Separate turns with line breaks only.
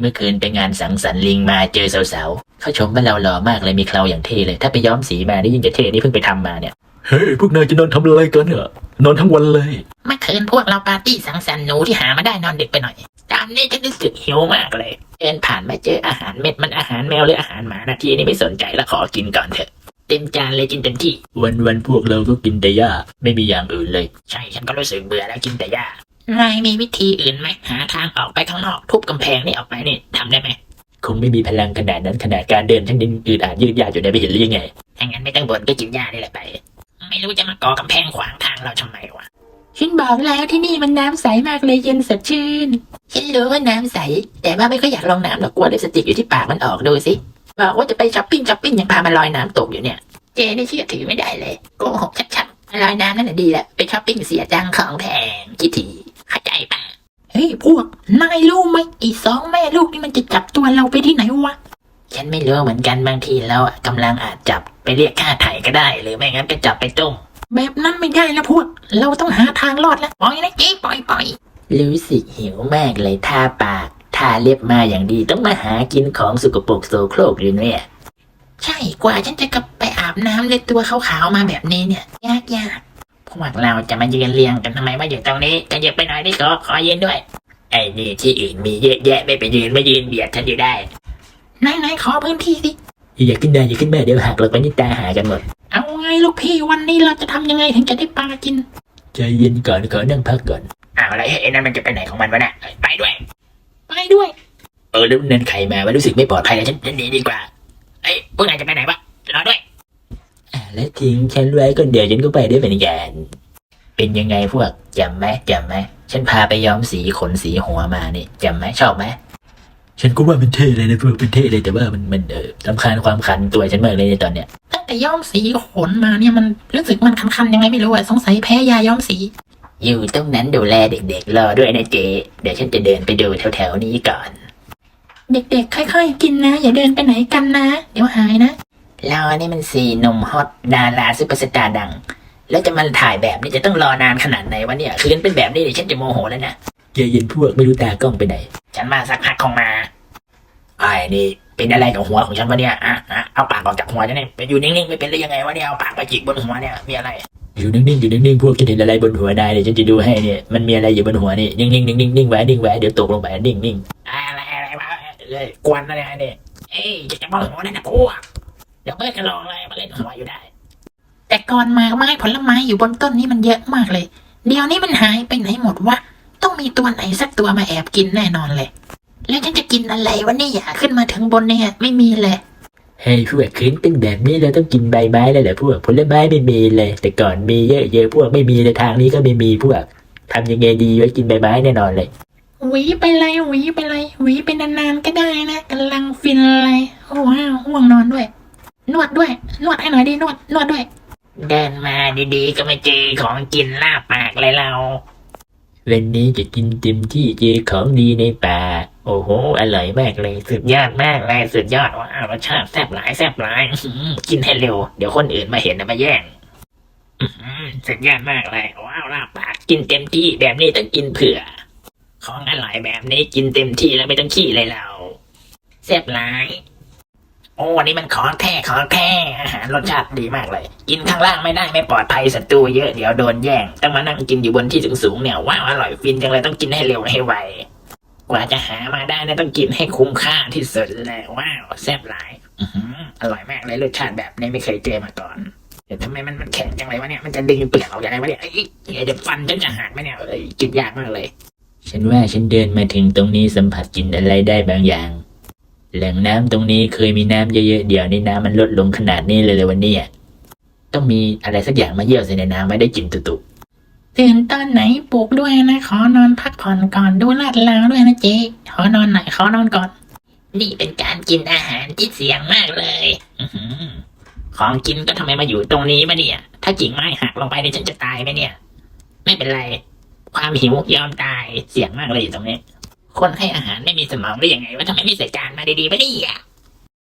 เมื่อคืนไปงานสังสรรค์ลิงมาเจอสาวๆเขาชมว่าเราหล่อมากเลยมีเคราอย่างเท่เลยถ้าไปย้อมสีมานี่ยิ่งจะเท่นี่เพิ่งไปทำมาเนี่ย
เฮ้ยพวกนายจะนอนทำอะไรกันเนี่ยนอนทั้งวันเลย
เมื่อคืนพวกเราปาร์ตี้สังสรรค์หนูที่หามาได้นอนดึกไปหน่อยตามนี้ฉันรู้สึกหิวมากเลยเดินผ่านมาเจออาหารเม็ดมันอาหารแมวหรืออาหารหมานะทีนี้ไม่สนใจแล้วขอกินก่อนเถอะเต็มจานเลยกินเต็มที่
วันพวกเราก็กินแต่หญ้าไม่มีอย่างอื่นเลย
ใช่ฉันก็รู้สึกเบื่อแล้วกินแต่หญ้านายมีวิธีอื่นไหมหาทางออกไปข้างนอกทุบกำแพงนี่ออกไปนี่ทำได้ไหม
คงไม่มีพลังขนาดนั้นขนาดการเดินฉันยังอืดอาดยืดยาดอยู่ในไม่เห็นหรือยังไง
ถ้างั้นไม่ต้องบ่นก็กินหญ้านี่แหละไปไม่รู้จะมาก่อกำแพงขวางทางเราทำไมวะ
ฉันบอกแล้วที่นี่มันน้ำใสมากเลยเย็นสดชื่น
ฉันรู้ว่าน้ำใสแต่ว่าไม่ค่อยอยากลงน้ำหรอกกลัวลิปสติกอยู่ที่ปากมันออกดูสิบอกว่าจะไปช้อปปิ้งยังพามาลอยน้ำตกอยู่เนี่ยเจนี่เชื่อถือไม่ได้เลยโกหกชัดๆลอยน้ำนั่นแหละดีแหละไปช้อปปิ้งเสียจังของแพงคิดทีเข้าใจป่ะ
เฮ้ยพวกนายรู้ไหมอีสองแม่ลูกนี่มันจะจับตัวเราไปที่ไหนวะ
ฉันไม่รู้เหมือนกันบางทีแล้วกำลังอาจจับไปเรียกค่าไถ่ก็ได้หรือไม่งั้นก็จับไปต้ม
แบบนั้นไม่ได้นะพวกเราต้องหาทางรอดแล้วปล่อยนะเจ๊ปล่อย
รู้สึกหิวมากเลยทาปากทาเล็บมาอย่างดีต้องมาหากินของสกปรกโสโครกอยู่เนี่ยใช่กว่าฉันจะกลับไปอาบน้ำเลยตัวขาวๆมาแบบนี้เนี่ยยากพวกเราจะมายืนเรียงกันทำไมว่าอยู่ตรงนี้จะเยอะไปหน่อยดิขอยืนด้วยไอ้นี่ที่อื่นมีเยอะแยะไม่ไปยืนเบียดฉันอยู่ได้
นายขอพื้นที่สิ
อย่าขึ้นได้อย่าขึ้นแม่เดี๋ยวหักเราไปนี่ตาหากันหมด
เอาไงลูกพี่วันนี้เราจะทำยังไงถึงจะได้ปลากิน
ใจเย็นก่อนขอนั่งพักก่อน
อะไรไอ้นั่นมันจะไปไหนของมันวะเนี่ยไปด้วย
ไปด้วย
แล้วนั่นใครมาว่ารู้สึกไม่ปลอดภัยเลยฉัน
ฉันหนีดีกว่าไอ้พวกนายจะไปไหนวะรอด้วย
แล้วทิ้งฉันไว้ก็เดี๋ยวฉันก็ไปด้วยเหมือนกันเป็นยังไงพวกจำไหมฉันพาไปย้อมสีขนสีหัวมานี่จำไหมชอบไหมฉันก็ว่ามันเท่เลยนะพวกเป็นเท่เลยแต่ว่ามันรำคาญความคันตัวฉันมากเลยในตอนเนี้ย
ตั้งแต่ย้อมสีขนมาเนี่ยมันรู้สึกมันคันๆยังไงไม่รู้อะสงสัยแพ้ยาย้อมสี
อยู่ตรงนั้นดูแลเด็กๆรอด้วยนะเจ๊เดี๋ยวฉันจะเดินไปดูแถวๆนี้ก่อน
เด็กๆค่อยๆกินนะอย่าเดินไปไหนกันนะเดี๋ยวหายนะ
เรานี่มันสีหนุ่มฮอตดาราซุปเปอร์สตาร์ดังแล้วจะมาถ่ายแบบนี้จะต้องรอนานขนาดไหนวะเนี่ยคืนเป็นแบบนี้เดี๋ยวฉันจะโมโหแล้วนะ
ใจเย็นพวกไม่รู้ตากล้องไปไหน
ฉันมาสักพักคงมาไอ้นี่เป็นอะไรกับหัวของฉันวะเนี่ยเอาปากออกจากหัวฉันเนี่ยไปอยู่นิ่งๆไม่เป็นได้ยังไงวะเนี่ยเอาปากไปจิกบนหัวเนี่ยมีอะไร
อยู่นิ่งๆพวกฉันเห็นอะไรบนหัวนายเนี่ยฉันจะดูให้เนี่ยมันมีอะไรอยู่บนหัวนี่นิ่งไว้เดี๋ยวตกลงไปนิ่ง
อะไรวะเลยกวนอะไรเนี่ยเอ้ยจะมาหัวนั่นนะกูเดี๋ยวเพื่อนกันลองเลยมาเล่นหัวอยู่ได้
แต่ก่อนมาไม้ผลไม้อยู่บนต้นนี้มันเยอะมากเลยเดี๋ยวนี้มันหายไปไหนหมดวะต้องมีตัวไหนสักตัวมาแอบกินแน่นอนเลยแล้วฉันจะกินอะไรวะเนี่ยอยากขึ้นมาถึงบนเนี่ยไม่มีเลย
ๆให้พวกคืนเป็นแบบนี้เราต้องกินใบไม้แล้วแหละพวกผลไม้ไม่มีเลยแต่ก่อนมีเยอะพวกไม่มีในทางนี้ก็ไม่มีพวกทำยังไงดีไว้กินใบไม้แน่นอนเลย
หวีไปเลยหวีไปนานๆก็ได้นะกำลังฟินเลยโอ้ว้าวห่วงนอนด้วยนวดให้หน่อยดินวดด้วย
เดินมาดีๆก็ไม่เจอของกินลาบปากเลยเรา
วันนี้จะกินเต็มที่เจอของดีในป่าโอ้โหอร่อยมากเลยสุดยอดมากเลยสุดยอดว้าวรสชาติแซ่บหลายกินให้เร็วเดี๋ยวคนอื่นมาเห็นมาแย่งสุดยอดมากเลยว้าวลาบปากกินเต็มที่แบบนี้ต้องกินเผื่อของอร่อยแบบนี้กินเต็มที่แล้วไม่ต้องขี้เลยเราแซ่บหลายโอ้นี่มันของแท้อาหารรสชาติดีมากเลยกินข้างล่างไม่ได้ไม่ปลอดภัยศัตรูเยอะเดี๋ยวโดนแย่งต้องมานั่งกินอยู่บนที่สูงๆเนี่ยว้าวอร่อยฟินจังเลยต้องกินให้เร็วให้ไวกว่าจะหามาได้เนี่ยต้องกินให้คุ้มค่าที่สุดเลยว้าวแซ่บหลายอร่อยมากเลยรสชาติแบบนี้ไม่เคยเจอมาก่อนแต่ทำไมมันแข็งจังเลยวะเนี่ยมันจะดึงเปลือกออกยังไงวะเนี่ยเดี๋ยวฟันฉันจะหักไหมเนี่ยกินยากมากเลยฉันว่าฉันเดินมาถึงตรงนี้สัมผัสกลิ่นอะไรได้บางอย่างแหล่งน้ำตรงนี้เคยมีน้ำเยอะๆเดี๋ยวนี้น้ำมันลดลงขนาดนี้เลยวันนี้ต้องมีอะไรสักอย่างมาเยี่ยวใส่ในน้ำไม่ได้กลิ่นตุๆ
ตื่นตอนไหนปลุกด้วยนะขอนอนพักผ่อนก่อนดูลาดลาวด้วยนะเจ๊ขอนอนไหนขอนอนก่อน
นี่เป็นการกินอาหารที่เสี่ยงมากเลยของกินก็ทำไมมาอยู่ตรงนี้มาเนี่ยถ้ากิ่งไม้หักลงไปเนี่ยฉันจะตายไหมเนี่ยไม่เป็นไรความหิวยอมตายเสี่ยงมากเลยอยู่ตรงนี้คนให้อาหารไม่มีสมองได้ยังไงว่าทำไมไม่ใส่จานมาดีๆมาดิ